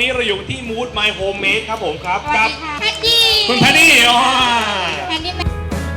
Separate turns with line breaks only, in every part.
เราอยู่ที่ Mood My Homemade ครับผมครับกับ
แพดดี้
คุณแพดดี้
แพดดี้แม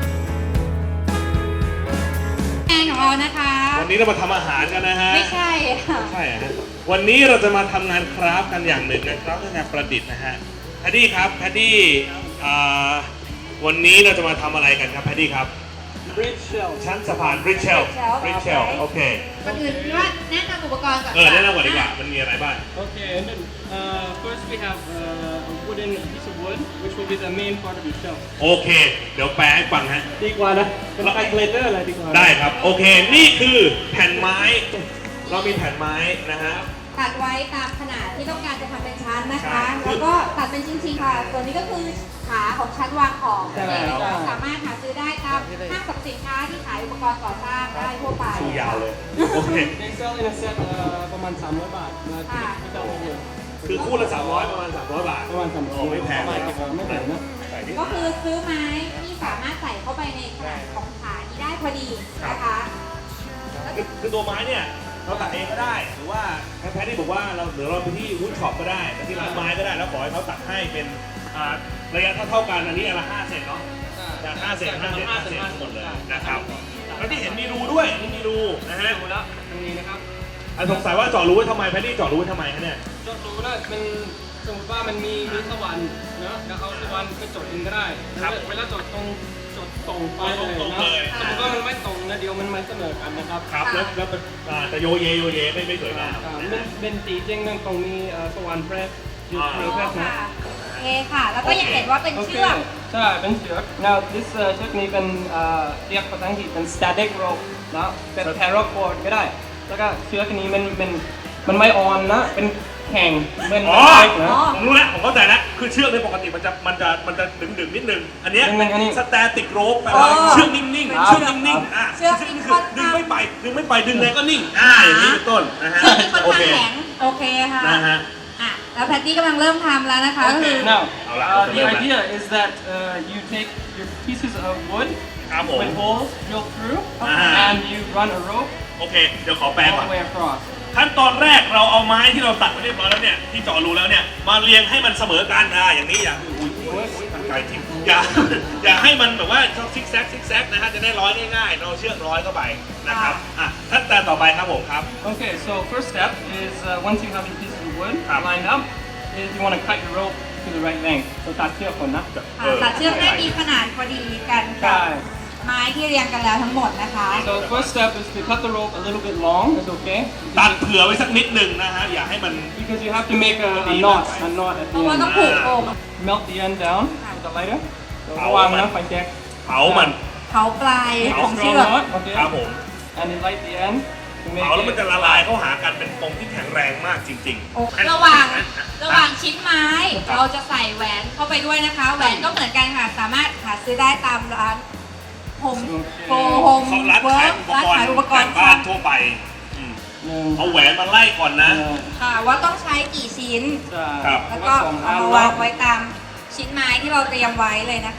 นของเรานะคะ
วันนี้เรามาทำอาหารกันนะฮะ
ไม่ใช่ค่ะ
ใช่ฮะวันนี้เราจะมาทำงานคราฟต์กันอย่างหนึ่งนะครับงานประดิษฐ์นะฮะแพดดี้ครับแพดดี้วันนี้เราจะมาทำอะไรกันครับแพดดี้ครับ
Bridge shell
ชั้นสะพาน Bridge Shell Bridge Shell โอเค
ก่อนอื่นว่าแนะนำอุปกรณ์ก่อน
แนะนำก่อนดีกว่ามันมีอะไรบ้าง
Okay, and then first we have a wooden piece of wood, which will be the main part of your shell.
โอเค เดี๋ยวแปลให้ฟังฮะ
ดีกว่านะเป็นไคลคูลเลเตอร์อะไรดีกว่า
ได้ครับโอเคนี่คือแผ่นไม้ เรามีแผ่นไม้นะฮะ
ตัดไว้ตามขนาดที่ต้องการจะทำเป็นชั้นนะ
ใช่
คะ แล้วก็ตัดเป็นชิ้นๆค่ะ ส่วนนี้ก็คือขาของชั้นวางของที่เราสามารถหาซื้อได้ตามห้างสรรพสินค้าที่ขายอุปกรณ์ก่อสร้างได้ทั่วไป
ชื่อยาวเลยโอเค
They sell in a set ประมาณ300 บาทนะที่เจ้าของเนี่ย
คือคู่ละ300ประมาณ300 บาท
ประมาณ300
โอ้ไม่แพง
ไม่แพงนะ
ใส่นิด
ก็คือซื้อไม้ที่สามารถใส่เข้าไปในขนาดของขานี้ได้พอดีนะคะ
คือตัวไม้เนี่ยเราตัดเองก็ได้หรือว่าแพทที่บอกว่าเราเดี๋ยวเราไปที่วูดช็อปก็ได้ไปที่ร้านไม้ก็ได้แล้วขอให้เขาตัดให้เป็นระยะเท่ากันอันนี้อันละ5 เซนเนาะจาก5 เซน5 เซน5 เซนทั้งหมดเลยนะครับแล้วที่เห็นมีรูด้วยนี่มีรูนะฮะ
ดูแล้วตรงนี้นะครับ
สงสัยว่าเจาะรูไว้ทำไมแพทตี้เจาะรูไว้ทำไมฮะเนี่ย
จดรู้นะมันสมมติว่ามันมีสวรรค์เนอะแล้วเอาสวรรค์ไปจดอินก็ได้เวลาจดตรงไปเลยนะสมมติว่ามันไม่ตรงนะเดี๋ยวมันไม่เสมอกันนะครับ
ครับแล้วแต่โยเยไม่สวยงาม
เป็นตีจริงนั่งตรงมีสวรรค์เพรสอยู่ในเพรสนะ
โอเคค่ะ แล้วก็ยังเห็นว่าเป็นเชือก
ใช่เป็นเชือก now this เชือกนี้เป็นเรียกภาษาอังกฤษเป็น static rope นะเป็น paracord ก็ได้ แล้วก็เชือกนี้มันไม่อ่อนนะเป็นแข็งเป็น
อ๋อ
เล็กนะ
ผมรู้แล้วผมเข้าใจแล้วคือเชือกในปกติมันจะดึงนิดนึงอันเนี้ย
ดึงอันนี้
สแตติกโรปแปลว่าเชือกนิ่งๆเชือกนิ่งๆ
เชือกที่ค่อนข้าง
ดึงไม่ไปดึงเลยก็นิ่งอย่างนี้เป็นต้นนะฮะ
เชือกที่ค่อน
โอ
ข้าง
เค
แข็งโอเคค่ะ
นะฮะ
อ่ะแล้วแพตตี้กำลังเริ่มทำแล้วนะคะก็คือ
now
เอาละ
the idea is that you take your pieces of wood
ครับผม
with holes drilled through
อ่า
and you run a rope
โอเคเดี๋ยวขอแปล
all
ก่อน
the way across
ขั้นตอนแรกเราเอาไม้ที่เราตัดมาเรียบร้อยแล้วเนี่ยที่เจาะรูแล้วเนี่ยมาเรียงให้มันเสมอกันอย่างนี้ไกลทิ้งอย่าให้มันแบบว่าชอบซิกแซกนะฮะจะได้ร้อยง่ายๆเราเชือกร้อยเข้าไปนะครับขั้นตอนต่อไปครับผมครับ
Okay, so first step is once you have your pieces of wood lined up, is you want to cut your rope to the right length. So ตัดเชือกก่อนนะ
ตัดเชือกให้มีขนาดพอดีกันกับไม้ที่เรียงกันแล้วทั้งหมดนะคะ
So first step is to cut the rope a little bit long. It's okay.
ตัดเผื่อไว้สักนิดหนึ่งนะฮะอย่าให้มัน
Because you have to make a knot at
เพ
the
ราะว่าต้อง
end.
ผูกโอม
Melt the end down with the lighter. So ระวังนะไฟแจ็ค
เผามัน
เผาปลายของ
Make a
เชื
strong
อก
knot, okay?
ครับผม
And then light the end to make
เผาแล้วมัน
it.
จะละลายเข้าหากันเป็นปมที่แข็งแรงมากจริงๆ
ระหว่างชิ้นไม้ เราจะใส่แหวนเข้าไปด้วยนะคะ แหวนก็เหมือนกันค่ะ สามารถหาซื้อได้ตามร้านโฮมโฮม
เขาร้าน
เวิ
ขาย
ร์
อุป
ร้าน
กรณ์
ขายอุปกรณ์
บ้านทั่วไป เอาแหวนมาไล่ก่อนนะ
ค่ะว่าต้องใช้กี่ชิ้น
ครับ
แล้วก็เอามาวางไว้ตามชิ้นไม้ที่เราเตรียมไว้เลยนะคะ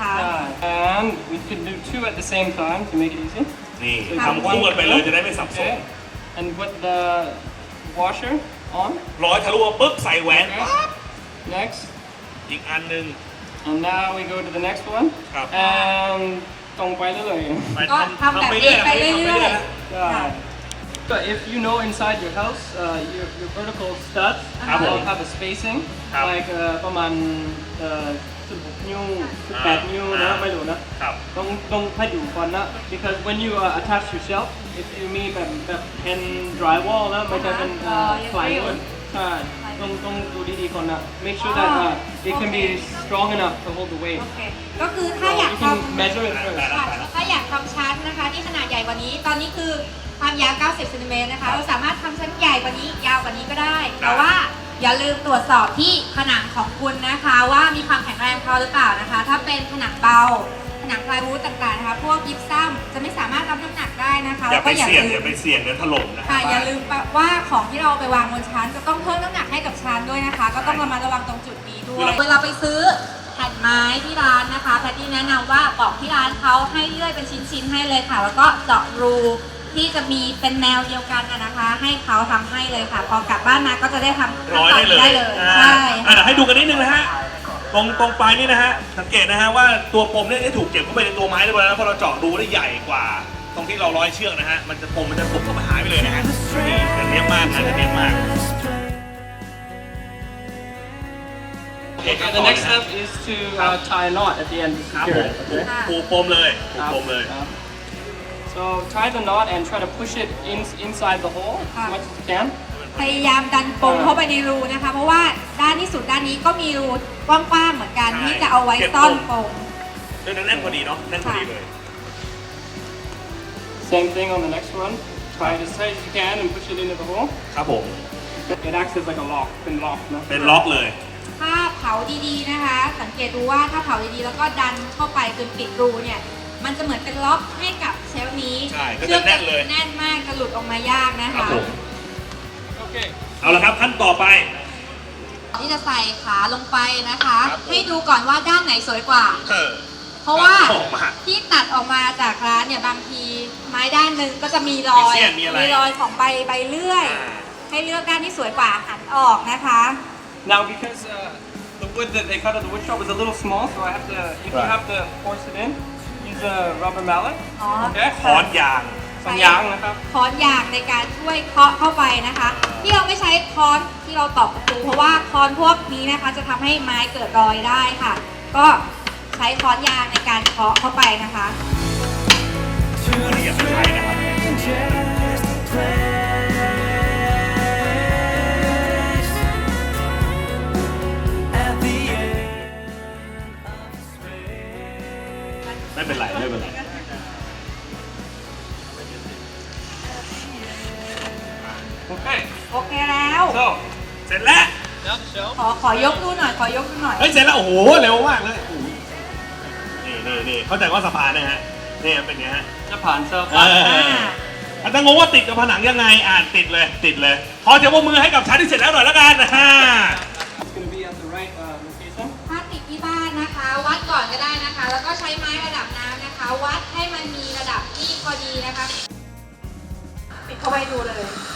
And we can do two at the same time to make it easy.
นี่ทำคู่กันไปเลยจะได้ไม่สับสน
Okay. And put the washer on.
ร้อยทะลุปุ๊บใส่แหวน
Okay. Next.
อีกอันหนึ่ง
And now we go to the next one.
ครับ
And ตรงไปเรื่อย
ไป
ก็ทำแบบนี้ไปเรื่อย
ๆ So if you know inside your house, your vertical studs will have a spacing like ประมาณ16 นิ้ว18 นิ้วนะไม่รู้นะครับ ต้องให้ดูก่อนนะ because when you attach your shelf if you มีแบบเป็น drywall นะไม่ใช่เป็น plywood ใช่ต้องดูดีๆก่อนนะ make sure that it can be strong enough to hold the weight
โอเคก็คือถ้าอยาก
you
ท
can measure it first
ำถ้าอยากทำชั้นนะคะที่ขนาดใหญ่กว่านี้ ตอนนี้คือความยาว 90 เซนติเมตรนะคะ เราสามารถทำชั้นใหญ่กว่านี้ยาวกว่านี้ก็ได้ แต่ว่าอย่าลืมตรวจสอบที่ผนังของคุณนะคะว่ามีความแข็งแรงพอหรือเปล่านะคะ ถ้าเป็นผนังเบาผนังพลายวูดต่างๆนะคะพวกยิปซัมจะไม่สามารถรับน้ำหนักได้นะคะ
อย่าไป
แล้วก็
เสี่ยงเดี๋ยวถล่มนะ
ค่ะอย่าลืมว่าของที่เราเอาไปวางบนชั้นจะต้องเพิ่มน้ำหนักให้กับชั้นด้วยนะคะ ก็ต้องระมัดระวังตรงจุดนี้ด้วยเวลาไปซื้อแผ่นไม้ที่ร้านนะคะแพทตี้แนะนำว่าบอกที่ร้านเขาให้เลื่อยเป็นชิ้นๆให้เลยค่ะ แล้วก็เจาะรูที่จะมีเป็นแนวเดียวกันนะคะ ให้เขาทำให้เลยค่ะ พอกลับบ้านมาก็จะได้ทำ
ร้อยได้เลย
ได้เลย
อ่า
ใช่
เดี๋ยวให้ดูกันนิดนึงนะฮะ ตรงปลายนี่นะฮะ สังเกตนะฮะว่าตัวปมเนี่ยได้ถูกเก็บเข้าไปในตัวไม้เรียบร้อยแล้วพอเราเจาะรูได้ใหญ่กว่า ตรงที่เราร้อยเชือกนะฮะ มันจะปมมันจะสุกเข้ามาหายไปเลยนะฮะ นี่จะเนียบมากนะจะเนียบมาก
Okay, the next step is to tie a knot at the end to
ครับ
secure
ผม
it. Okay.
ปูปมเลยปูปมเลย
So tie the knot and try to push it inside the hole as much as you can.
พยายามดันปมเข้าไปในรูนะคะ เพราะว่าด้านที่สุดด้านนี้ก็มีรูกว้างๆเหมือนกัน
ใช่
ที่จะเอาไว้ซ่อนปม
เรื่องนั้นแน่นพอดีเนาะแน่นพอดีเลย
Same thing on the next one. Try it as tight as you can and push it into the hole.
ครับผม
It acts as like a lock, pin lock. No?
เป็นล็อกเลย
ถ้าเผาดีๆนะคะ สังเกตดูว่าถ้าเผาดีๆแล้วก็ดันเข้าไปจนปิดรูเนี่ย มันจะเหมือนเป็นล็อกให้กับเชลฟ์นี้
ใช่ก็จะแน่นเลย
แน่นมากจะหลุดออกมายากนะ
ครั
คะ
บผม
Okay.
เอาละครับขั้นต่อไป
ที่จะใส่ขาลงไปนะคะ
ครับ
ให้ดูก่อนว่าด้านไหนสวยกว่า
เออ
เพราะว่า
ออกมา
ที่ตัดออกมาจากร้านเนี่ยบางทีไม้ด้านหนึ่งก็จะมีรอย
มีเสี้ยนมีอะไร
รอยของใบเลื่อย ให้เลือกด้านที่สวยกว่าหันออกนะคะ
Now because the wood that they cut at the wood shop is a little small, so I have to, if you
Right.
have to force it in, use a rubber mallet.
อ๋อ
Okay.
ค้อนยาง
ฟันยางนะครับ
ค้อนยางในการช่วยเคาะเข้าไปนะคะ ที่เราไม่ใช้ค้อนที่เราตอกประตูเพราะว่าค้อนพวกนี้นะคะจะทำให้ไม้เกิดรอยได้ค่ะ ก็ใช้ค้อนยางในการเคาะเข้าไปนะคะ
ละเอียดใช้นะครับ ไม่เป็นไรไม่เป็นไร
Okay.
โอเคแล้ว
So
เสร็จแล้ว
now the shelf.
ขอยกดูหน่อยขอยกดูหน่อย
เฮ้ยเสร็จแล้วโอ้โหเร็วมากเลยโอ้โหนี่เข้าใจว่าสะพานนะฮะนี่เป็นไงฮะ
จะผ่านเซอร์
เอออาจจะงงว่าติดกับผนังยังไงติดเลยขอเสียงปรบมือให้กับชั้นที่เสร็จแล้วหน่อยละกันนะฮะ
It's going to be at the right location.
ถ้าติดที่บ้านนะคะ วัดก่อนก็ได้นะคะ แล้วก็ใช้ไม้ระดับน้ำนะคะ วัดให้มันมีระดับที่พอดีนะคะ ปิดเข้าไปดูเลย